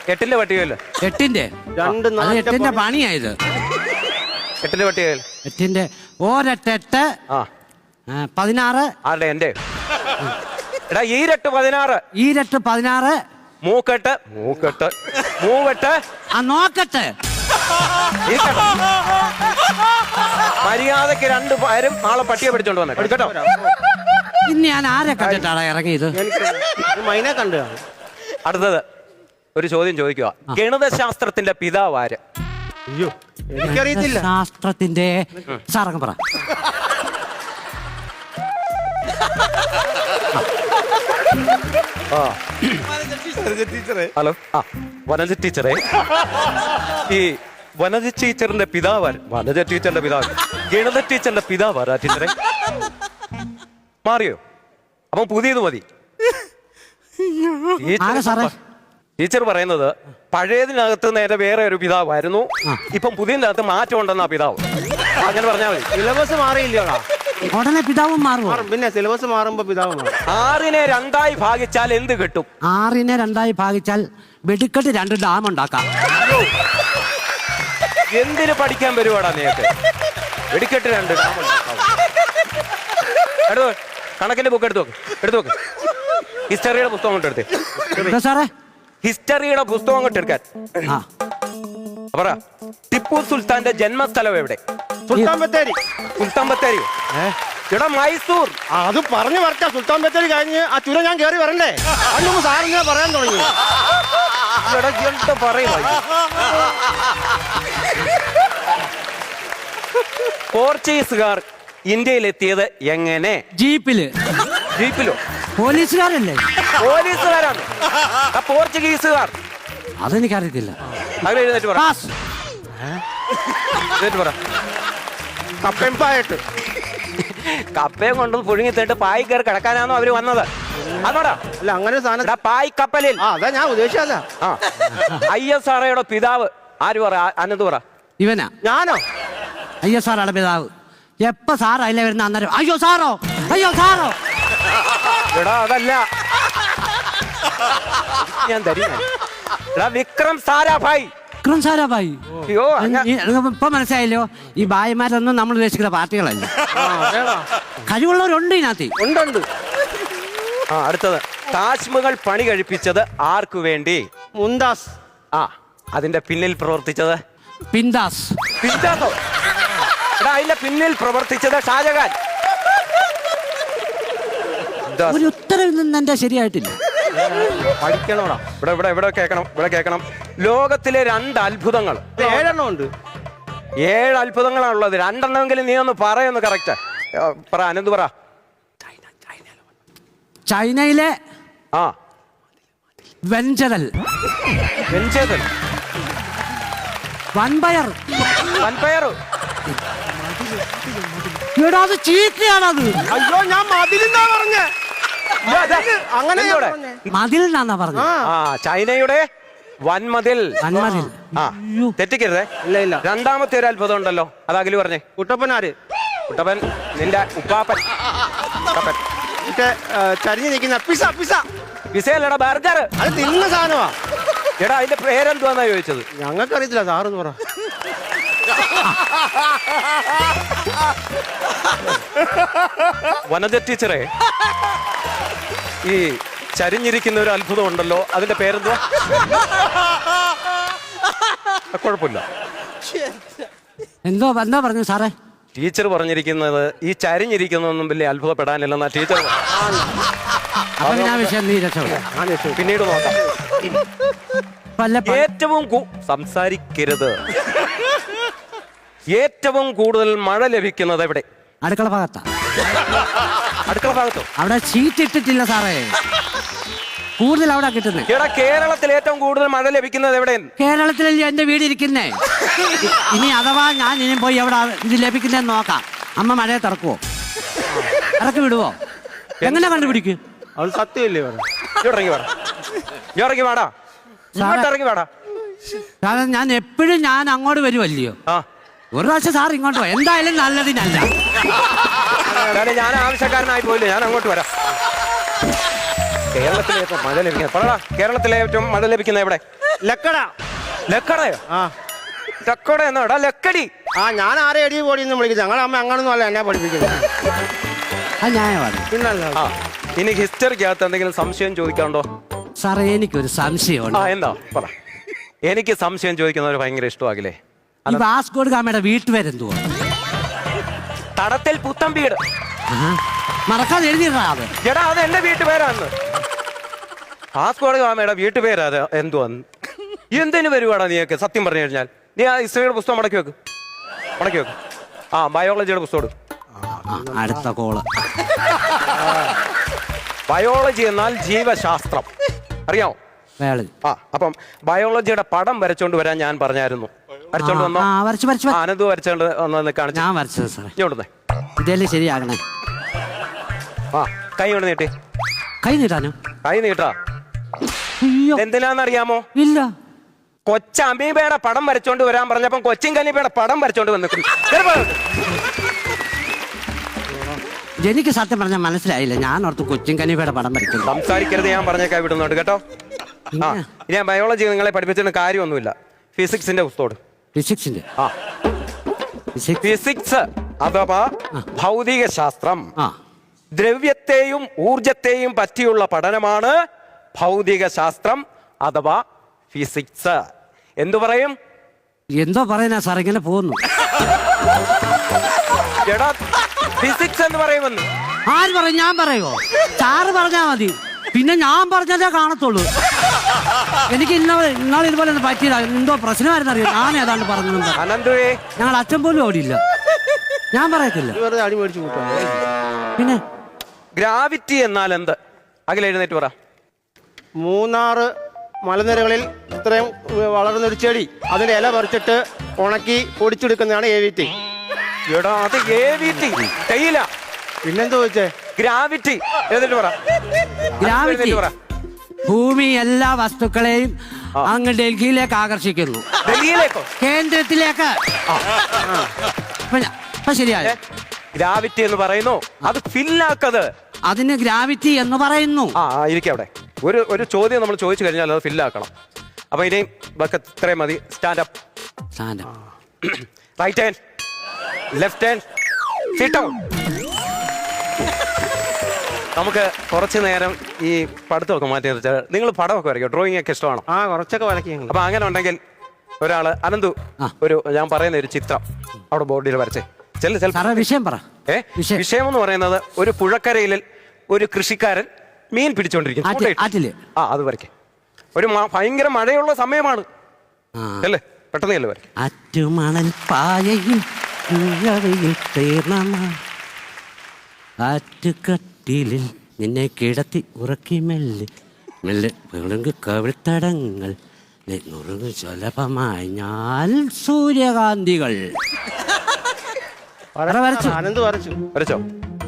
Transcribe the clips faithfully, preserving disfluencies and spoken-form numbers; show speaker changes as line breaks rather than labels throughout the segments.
എട്ടിന്റെ പട്ടികയില്ല.
എട്ടിന്റെ
രണ്ട്
എട്ടിന്റെ പണിയായത്.
എട്ടിന്റെ പട്ടികയിൽ
എട്ടിന്റെ ഒരെട്ടെട്ട്
ആ
പതിനാറ്.
ആരുടെ? എന്റെ. എടാ ഈരട്ട് പതിനാറ്.
ഈരട്ട് പതിനാറ്.
മൂക്കെട്ട് മൂക്കെട്ട് മൂവെട്ട്.
ആ നോക്കട്ടെ.
മര്യാദക്ക് രണ്ടു പേരും നാളെ പട്ടിയെ പിടിച്ചോണ്ട് വന്നേ കേട്ടോ.
ഇന്ന് ഞാൻ ആരെ കണ്ടിട്ടാണ് ഇറങ്ങിയത്?
മൈനെ കണ്ടു.
അടുത്തത് ഒരു ചോദ്യം ചോദിക്കുക. ഗണിതശാസ്ത്രത്തിന്റെ പിതാവ് ആര്?
അയ്യോ എനിക്കറിയത്തില്ല.
ശാസ്ത്രത്തിന്റെ സാറങ്ങ് പറ.
ഹലോ. ആ വനജ ടീച്ചറെ, ഈ വനജ ടീച്ചറിന്റെ പിതാവ് വനജ ടീച്ചറിന്റെ പിതാവ് ഗണിത ടീച്ചറിന്റെ പിതാവ് ആരാ ടീച്ചറെ? മാറിയോ? അപ്പൊ പുതിയത് മതി. ടീച്ചർ പറയുന്നത് പഴയതിനകത്ത് നേരെ വേറെ ഒരു പിതാവായിരുന്നു, ഇപ്പം പുതിയതിനകത്ത് മാറ്റം ഉണ്ടെന്നാ പിതാവ്. അങ്ങനെ പറഞ്ഞാൽ മതി.
സിലബസ് മാറിയില്ലോടാ.
ഉടനെ പിതാവും മാറും.
പിന്നെ സിലബസ് മാറുമ്പോ പിതാവ് മാറും.
ആറിനെ രണ്ടായി ഭാഗിച്ചാൽ എന്ത് കിട്ടും?
ആറിനെ രണ്ടായി ഭാഗിച്ചാൽ വെടിക്കെട്ട് രണ്ട് ഡാം ഉണ്ടാക്കാം.
എന്തിനു പഠിക്കാൻ വരുവാടാ നീക്ക്? വെടിക്കെട്ട് രണ്ട് ഡാം ഉണ്ടാക്കാം. എടുത്തു കണക്കിന്റെ ബുക്ക് എടുത്തു നോക്ക്. എടുത്തു നോക്ക്. ഹിസ്റ്ററിയുടെ പുസ്തകം കൊണ്ട് എടുത്തേ.
സാറേ
ഹിസ്റ്ററിയുടെ പുസ്തകം കൊണ്ട് എടുക്കാൻ പറ. ടിപ്പു സുൽത്താന്റെ ജന്മസ്ഥലം എവിടെ?
സുൽത്താൻ ബത്തേരി.
സുൽത്താൻ ബത്തേരി ഇവിടെ മൈസൂർ.
അത് പറഞ്ഞു വരട്ടെ. സുൽത്താൻ ബത്തേരി കഴിഞ്ഞ് ആ ചുരം ഞാൻ കയറി വരണ്ടേ? അതൊന്നും സാറിങ്ങനെ പറയാൻ തുടങ്ങി.
എന്താ പറയുക? പോർച്ചുഗീസുകാർ ഇന്ത്യയിലെത്തിയത് എങ്ങനെ?
ജീപ്പില്.
ജീപ്പിലോ?
പോലീസുകാരല്ലേ?
പോലീസുകാരാണ്. പോർച്ചുഗീസുകാർ.
അതെനിക്കറിയത്തില്ല.
അങ്ങനെ എഴുന്നേറ്റ് പറ. എഴുന്നേറ്റ് പറ.
കപ്പയും പായിട്ട്
കപ്പയും കൊണ്ട് പുഴുങ്ങി തേട്ട് പായി കയറി കിടക്കാനാണോ അവര് വന്നത്? അതോടാ
അല്ല അങ്ങനെ സാധനം
പായ് കപ്പലിൽ.
ആ അതാ ഞാൻ ഉദ്ദേശിച്ചല്ല.
ആ ഐ എസ് ആർഒയുടെ പിതാവ് ആര്? പറ. അനന്ത് പറ.
ഇവനാ.
ഞാനോ?
അയ്യോ സാറാണ് പിതാവ്. എപ്പ സാർ അതിലെ വരുന്ന അന്നേരം അയ്യോ സാറോ അയ്യോ സാറോ.
എടാ അതല്ല, ഞാൻ തരും. വിക്രം സാരാഭായ്.
വിക്രം സാരാഭായ്.
അയ്യോ
ഇപ്പൊ മനസ്സിലായല്ലോ, ഈ ഭായിമാരൊന്നും നമ്മൾ ഉദ്ദേശിക്കുന്ന പാർട്ടികളല്ല. കഴിവുള്ളവരുണ്ട് ഇതിനകത്ത്.
ഉണ്ടുണ്ട്.
ആ അടുത്തത്. താജ്മഹൽ പണി കഴിപ്പിച്ചത് ആർക്കു വേണ്ടി?
മുംതാസ്.
ആ അതിന്റെ പിന്നിൽ പ്രവർത്തിച്ചത്?
പിന്താസ്.
പിന്താസോ? എടാ അതിന്റെ പിന്നിൽ പ്രവർത്തിച്ചത് ഷാജഹാൻ.
ഒരു ഉത്തരവിൽ നിന്ന് എന്റെ ശരിയായിട്ടില്ല.
പഠിക്കണോടാ.
ഇവിടെ ഇവിടെ ഇവിടെ കേൾക്കണം, ഇവിടെ കേൾക്കണം. ലോകത്തിലെ രണ്ട് അത്ഭുതങ്ങൾ.
ഏഴെണ്ണം ഉണ്ട്.
ഏഴ് അത്ഭുതങ്ങളാണുള്ളത്. രണ്ടെണ്ണമെങ്കിലും നീ ഒന്ന് പറയുന്നു. കറക്റ്റ് പറ. അനന്ത് പറ.
ചൈനയിലെ
ആ
വെഞ്ചരൽ.
വെഞ്ചേതൽ.
വൻപയർ.
വൻപയർ.
എടാ അത് ചീത്തയാണത്.
അയ്യോ ഞാൻ മതിലെന്നാ പറഞ്ഞേ. അങ്ങനെ
മതിൽ എന്നാ പറഞ്ഞത്.
ആ ചൈനയുടെ വൻമതിൽ.
വൻമതിൽ.
ആ തെറ്റിക്കരുതേ.
ഇല്ല ഇല്ല.
രണ്ടാമത്തെ ഒരു അത്ഭുതം ഉണ്ടല്ലോ, അത് അഖില് പറഞ്ഞേ.
കുട്ടപ്പനാര്?
കുട്ടപ്പൻ നിന്റെ ഉപ്പാപ്പൻ.
മറ്റേ ചരിഞ്ഞു നിൽക്കുന്ന പിസ. Pizza
പിസയല്ലടാ, burger.
അത് തിന്ന സാധനമാ.
എടാ അതിന്റെ പേരെന്തുവാന്നാ ചോദിച്ചത്?
ഞങ്ങൾക്കറിയത്തില്ല, സാറെന്ന് പറ.
വനജ ടീച്ചറെ, ഈ ചരിഞ്ഞിരിക്കുന്ന ഒരു അത്ഭുതം ഉണ്ടല്ലോ, അതിന്റെ പേരെന്തുവാ? കുഴപ്പമില്ല.
എന്തോ എന്താ പറഞ്ഞു സാറേ?
ടീച്ചർ പറഞ്ഞിരിക്കുന്നത് ഈ ചരിഞ്ഞിരിക്കുന്നൊന്നും വലിയ അത്ഭുതപ്പെടാനില്ലെന്നാ ടീച്ചർ. പിന്നീട് നോക്കാം. ഏറ്റവും സംസാരിക്കരുത്. ഏറ്റവും കൂടുതൽ മഴ ലഭിക്കുന്നത് എവിടെ?
അടുക്കള ഭാഗത്താ.
അടുക്കള ഭാഗത്തോ?
അവിടെ ഷീറ്റ് ഇട്ടിട്ടില്ല സാറേ, കൂടുതൽ അവിടെ കിട്ടുന്നത്.
എടാ കേരളത്തിൽ ഏറ്റവും കൂടുതൽ മഴ ലഭിക്കുന്നത് എവിടെ?
കേരളത്തിലല്ലേ എന്റെ വീട് ഇരിക്കുന്നേ. ഇനി അഥവാ ഞാൻ ഇനി പോയി എവിടെ ഇത് ലഭിക്കുന്നതെന്ന് നോക്കാം. അമ്മ മഴയെ തുറക്കുവോ? ഇറക്കി വിടുവോ? എങ്ങനെ കണ്ടുപിടിക്കും?
അത് സത്യമല്ലേ?
ഇറങ്ങി വേടാ, ഇറങ്ങി വേടാ, ഇറങ്ങി വേടാ.
കാരണം ഞാൻ എപ്പോഴും ഞാൻ അങ്ങോട്ട് വരുമല്ലയോ. ഒരു പ്രാവശ്യം സാർ ഇങ്ങോട്ട് പോയി, എന്തായാലും നല്ലതിനല്ല.
ഞാൻ ആവശ്യക്കാരനായി പോയില്ലേ, ഞാൻ അങ്ങോട്ട് വരാം. കേരളത്തിലെ ഏറ്റവും മഴ ലഭിക്കുന്നത് പറടാ. കേരളത്തിലെ ഏറ്റവും മഴ ലഭിക്കുന്ന എവിടെ?
ലക്കട.
ലക്കടയോ?
ആ
ലക്കട എന്നാടാ ലക്കടി.
ആ ഞാൻ ആരെ എടി പോടി എന്ന് വിളിക്കുന്നത്. ഞങ്ങളുടെ അമ്മ അങ്ങനൊന്നും അല്ല എന്നെ പഠിപ്പിക്കുന്നത്.
അത് ന്യായമാണ്.
പിന്നല്ല.
ആ ഇനി ഹിസ്റ്ററിക്കകത്ത് എന്തെങ്കിലും സംശയം ചോദിക്കാണ്ടോ?
സാറേ എനിക്കൊരു സംശയമുണ്ട്.
ആ എന്താ പറ. എനിക്ക് സംശയം ചോദിക്കുന്നവർ ഭയങ്കര ഇഷ്ടമാകില്ലേ?
ഈ വാസ്കോഡ് ഗാമയുടെ വീട്ടുപേരെന്തുവാ?
തടത്തിൽ പുത്തൻ വീട്.
മറക്കാതെ എഴുതിയിട്ടാ അത്.
എടാ അത് എന്റെ വീട്ടുപേരാന്ന്. വാസ്കോഡ് ഗാമയുടെ വീട്ടുപേരാ അത്. എന്തുവാന്ന് എന്തിനു വരുവാടാ നീയൊക്കെ? സത്യം പറഞ്ഞു കഴിഞ്ഞാൽ നീ ആ ഹിസ്റ്ററിയുടെ പുസ്തകം മടക്കി വെക്ക്, മടക്കി വെക്ക്. ആ ബയോളജിയുടെ പുസ്തകം.
അടുത്ത കോള്.
ബയോളജി എന്നാൽ ജീവശാസ്ത്രം, അറിയാമോ?
വേളി.
ആ അപ്പം ബയോളജിയുടെ പടം വരച്ചോണ്ട് വരാൻ ഞാൻ പറഞ്ഞായിരുന്നു. വരച്ചോണ്ട് വന്നോ?
ആ വരച്ചു വരച്ചു.
ആ, അനന്ത് വരച്ചോണ്ട് വന്നു കാണിച്ചു.
ഞാൻ വരച്ചത് സാറേ.
ഇങ്ങോട്ടേ
ഇതല്ലേ ശരിയാകണേ.
ആ കൈ കൊണ്ട് നീട്ടി.
കൈ നീട്ടാനോ?
കൈ നീട്ടാ.
അയ്യോ
എന്തിനാന്നറിയാമോ?
ഇല്ല.
കൊച്ച അമീബയുടെ പടം വരച്ചോണ്ട് വരാൻ പറഞ്ഞപ്പം കൊച്ചിൻ കലീബയുടെ പടം വരച്ചോണ്ട് വന്നിട്ടുണ്ട്.
എനിക്ക് സത്യം പറഞ്ഞാൽ മനസ്സിലായില്ല. ഞാൻ ഓർത്ത് കൊച്ചിൻ കനീഫയുടെ പടം വരയ്ക്കുന്നു.
സംസാരിക്കരുത്, ഞാൻ പറഞ്ഞേക്കാ വിടുന്നുണ്ട് കേട്ടോ. ആ ഇനി ഞാൻ ബയോളജി നിങ്ങളെ പഠിപ്പിച്ചിട്ട് കാര്യമൊന്നുമില്ല. ഫിസിക്സിന്റെ പുസ്തകം.
ഫിസിക്സിന്റെ?
ആ
ഫിസിക്സ്.
ഫിസിക്സ് അഥവാ ഭൗതിക ശാസ്ത്രം.
ആ
ദ്രവ്യത്തെയും ഊർജത്തെയും പറ്റിയുള്ള പഠനമാണ് ഭൗതിക ശാസ്ത്രം അഥവാ ഫിസിക്സ്. എന്തു പറയും?
എന്തോ പറയുന്ന സാർ, ഇങ്ങനെ പോകുന്നു.
എടാ ഫിസിക്സ് എന്ന് പറയുമെന്ന്
ആര് പറയും? ഞാൻ പറയുമോ? സാറ് പറഞ്ഞാ മതി. പിന്നെ ഞാൻ പറഞ്ഞതേ കാണത്തുള്ളൂ. എനിക്ക് ഇന്നലെ ഇന്നാൾ ഇതുപോലെ ഒന്ന് പറ്റിയില്ല. എന്തോ പ്രശ്നമായിരുന്നു അറിയാം. ഞാൻ ഏതാണ്ട് പറഞ്ഞു.
അനന്തുവേ
ഞങ്ങൾ അച്ഛൻ പോലും ഓടിയില്ല. ഞാൻ പറയത്തില്ല.
വെറുതെ അടി മേടിച്ചു കൂട്ടാ.
പിന്നെ
ഗ്രാവിറ്റി എന്നാൽ എന്ത്? അഖിൽ എഴുന്നേറ്റ് പറ.
മൂന്നാറ് മലനിരകളിൽ ഇത്രയും വളർന്നൊരു ചെടി, അതിന്റെ ഇല പറിച്ചിട്ട് ഉണക്കി പൊടിച്ചെടുക്കുന്നതാണ് എ വി ടി.
എടാ അത് എ വി ടി തേയില.
പിന്നെന്താ ചോദിച്ചേ?
ഗ്രാവിറ്റി എഴുന്നേറ്റ് പറ.
ഗ്രാവിറ്റി
എഴുന്നേറ്റ് പറ.
ഭൂമി എല്ലാ വസ്തുക്കളെയും അങ്ങ് ഡൽഹിയിലേക്ക് ആകർഷിക്കുന്നു.
ഡൽഹിയിലേക്കോ?
കേന്ദ്രത്തിലേക്ക്. ഇപ്പൊ ഞാ- ഇപ്പൊ ശരിയായ
ഗ്രാവിറ്റി എന്ന് പറയുന്നു. അത് ഫില്ലാക്കത്.
അതിന് ഗ്രാവിറ്റി എന്ന് പറയുന്നു.
ആ ഇരിക്കും അവിടെ. ഒരു ഒരു ചോദ്യം നമ്മൾ ചോദിച്ചു കഴിഞ്ഞാൽ അത് ഫില്ലാക്കണം. അപ്പൊ ഇനിയും ഇത്രയും മതി. Stand up.
Stand
right hand, left hand, sit down. നമുക്ക് കുറച്ചു നേരം ഈ പഠിത്തമൊക്കെ മാറ്റി വെച്ചാൽ നിങ്ങൾ പടമൊക്കെ വരയ്ക്കും. ഡ്രോയിങ് ഒക്കെ ഇഷ്ടമാണോ?
ആ കുറച്ചൊക്കെ വരയ്ക്കും ഞങ്ങൾ.
അപ്പൊ അങ്ങനെ ഉണ്ടെങ്കിൽ ഒരാള് അനന്തു ഒരു ഞാൻ പറയുന്ന ഒരു ചിത്രം അവിടെ ബോർഡിൽ വരച്ചേ. ചെല്ല ചെല
സാറേ വിഷയം പറ.
ഏ
വിഷയം.
വിഷയം എന്ന് പറയുന്നത് ഒരു പുഴക്കരയിൽ ഒരു കൃഷിക്കാരൻ മീൻ പിടിച്ചോണ്ടിരിക്കുന്നു.
ആറ്റിൽ-
ചൂണ്ടയിട്ട്.
ആറ്റില്.
ആ അത് വരയ്ക്കേ. ഒരു മ- ഭയങ്കര മഴയുള്ള സമയമാണ് അല്ലേ? പെട്ടെന്ന് ചെല്ല് വരയ്ക്കും.
ആറ്റുമണൽ പായയിൽ തീർന്ന ആറ്റുകട്ടിലിൽ നിന്നെ കിടത്തി ഉറക്കി മെല്ലെ മെല്ലെ വിളങ്ങ് കവിൾത്തടങ്ങൾ നുറുങ്ങ് സുലഭമായി ഞാൻ സൂര്യകാന്തികൾ. വരച്ചു.
അനന്ത് വരച്ചു.
വരച്ചോ?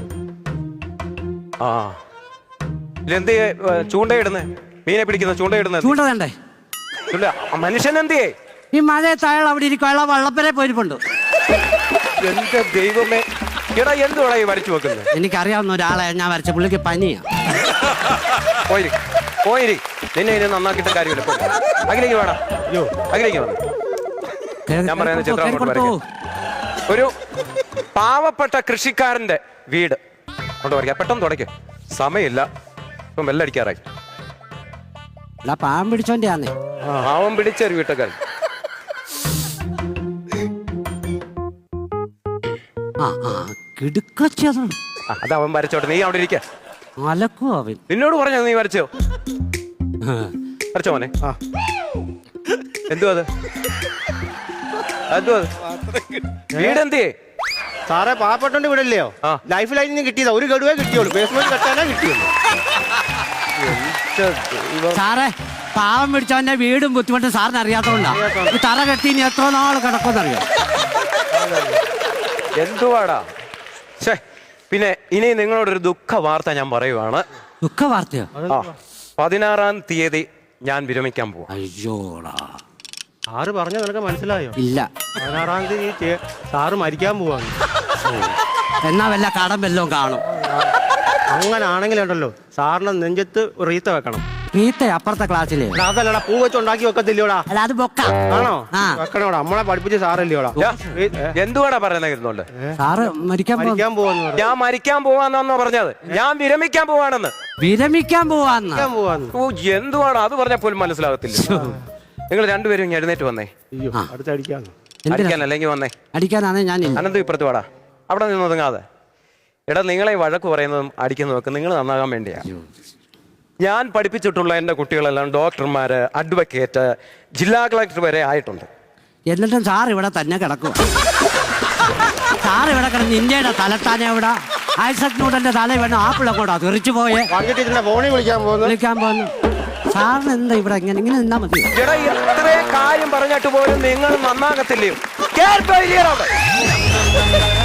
ആ ഇതെന്ത് ചൂണ്ടയിടുന്നേ? മീനെ പിടിക്കുന്ന ചൂണ്ടയിടുന്നത്
ചൂണ്ട വേണ്ടേ?
മനുഷ്യൻ എന്തിയേ?
ഈ മഴയത്ത് അയാൾ അവിടെ ഇരിക്കും. അയാൾ വള്ളപ്പരെ പോയിരിപ്പുണ്ട്.
എന്റെ ദൈവമേ, എടാ എന്തുവാടാ ഈ വരച്ചു വെക്കുന്നത്?
എനിക്കറിയാവുന്ന ഒരാളെ ഞാൻ വരച്ച. പുള്ളിക്ക് പനിയാ.
പോയിരി പോയിരി നിന്നെ ഇനി നന്നാക്കിയിട്ട് കാര്യമില്ല. പോയി. അഖിലേക്ക് വേണം. അയ്യോ അഖിലേക്ക് വേണം. ഞാൻ പറയുന്ന ചിത്രം അങ്ങോട്ട് വരയ്ക്കാം. ഒരു പാവപ്പെട്ട കൃഷിക്കാരന്റെ വീട് കൊണ്ട് വരയ്ക്കാം. പെട്ടെന്ന് തുടയ്ക്കും. സമയമില്ല. ഇപ്പം വെല്ലടിക്കാറായി.
അല്ല പാവം പിടിച്ചോന്റെ ആന്നേ.
പാവം പിടിച്ചൊരു വീട്ടുകാരൻ.
ആ ആ കിടുക്കച്ചത്.
അത് അവൻ വരച്ചോട്ടെ. നീ അവിടെ ഇരിക്ക.
അലക്കും അവൻ.
നിന്നോട് പറഞ്ഞോ നീ വരച്ചോ? വരച്ചോ മോനെ?
ആ
എന്തുവാ അത്? എന്തുവാ വീടെന്തിയേ?
സാറേ പാവപ്പെട്ടോണ്ട് വീടല്ലയോ?
ആ.
ലൈഫ് ലൈനിൽ നിന്ന് കിട്ടിയതാ. ഒരു ഗഡുവേ കിട്ടിയുള്ളൂ. ബേസ്മെന്റ് കെട്ടാനേ കിട്ടിയുള്ളൂ.
സാറേ പാവം പിടിച്ചവന്റെ വീടും ബുദ്ധിമുട്ടും സാറിന് അറിയാത്തോണ്ടാ. ഈ തറ കെട്ടി ഇനി എത്ര നാള് കിടക്കുമെന്നറിയോ?
എന്തുവാടാ? ഛേ, പിന്നെ ഇനി നിങ്ങളോടൊരു ദുഃഖ വാർത്ത ഞാൻ പറയുവാണ്.
ദുഃഖ വാർത്തയോ?
ആ, പതിനാറാം തീയതി ഞാൻ വിരമിക്കാൻ പോവാ.
അയ്യോടാ.
സാറ് പറഞ്ഞ നിനക്ക് മനസ്സിലായോ?
ഇല്ല.
പതിനാറാം തീയതി സാറ് മരിക്കാൻ പോവാണ്.
എന്നാ വല്ല കടം വല്ലതും കാണും.
അങ്ങനെ ആണെങ്കിലുണ്ടല്ലോ സാറിന് നെഞ്ചത്ത് റീത്ത വെക്കണം.
റീത്ത അപ്പുറത്തെ ക്ലാസ്സില്
എടാ, അതല്ലടാ പൂ വെച്ച് ഉണ്ടാക്കി വെക്കത്തില്ലയോടാ?
അല്ല അത് ബൊക്ക
ആണോ?
ആ.
വെക്കണോടാ, നമ്മളെ പഠിപ്പിച്ച സാറല്ലയോടാ?
ഞാ- എന്തുവാടാ പറയുന്നത് ഇരുന്നോണ്ട്?
സാറ് മരിക്കാൻ പോ-
മരിക്കാൻ പോവാന്ന് പറഞ്ഞു.
ഞാൻ മരിക്കാൻ പോവാന്നാന്നോ പറഞ്ഞത്? ഞാൻ വിരമിക്കാൻ പോവാണെന്ന്.
വിരമിക്കാൻ പോവാന്ന്
മരിക്കാൻ പോവാന്ന്.
ഓ എന്തുവാണ് അത് പറഞ്ഞാൽ പോലും മനസ്സിലാകത്തില്ല. നിങ്ങൾ രണ്ടുപേരും ഇങ്ങ് എഴുന്നേറ്റ് വന്നേ.
അയ്യോ, അടുത്തടിക്കാന്ന്.
എന്തിനാ
അടിക്കാൻ അല്ലെങ്കിൽ വന്നേ.
അടിക്കാനാണ് ഞാനില്ല.
അനന്ത് ഇപ്പുറത്ത് വാടാ. അവിടെ നിന്ന് ഒതുങ്ങാതെ. എടാ നിങ്ങളെ ഈ വഴക്ക് പറയുന്നതും അടിക്കുന്നതും ഒക്കെ നിങ്ങൾ നന്നാകാൻ വേണ്ടിയാ. ഞാൻ പഠിപ്പിച്ചിട്ടുള്ള എൻ്റെ കുട്ടികളെല്ലാം ഡോക്ടർമാര്, അഡ്വക്കേറ്റ്, ജില്ലാ കളക്ടർ വരെ ആയിട്ടുണ്ട്.
എന്നിട്ടും സാർ ഇവിടെ തന്നെ കിടക്കും. സാർ ഇവിടെ കിടന്ന് ഇന്ത്യയുടെ തലത്താനെ ഇവിടെ ഐസക് ന്യൂട്ടന്റെ തല വേണം ആപ്പിളെ കൂടാ തെറിച്ചു പോയെ
വണ്ടി ടീച്ചറിന്റെ ഫോണിൽ വിളിക്കാൻ പോകുന്നു.
വിളിക്കാൻ പോകുന്നു. സാറിന് എന്താ ഇവിടെ ഇങ്ങനെ ഇങ്ങനെ നിന്നാ മതി.
എടാ ഇത്രയും കാര്യം പറഞ്ഞിട്ട് പോലും നിങ്ങൾ നന്നാകത്തില്ലയോ? കേട്ടോ ഇല്ലയോ അവിടെ?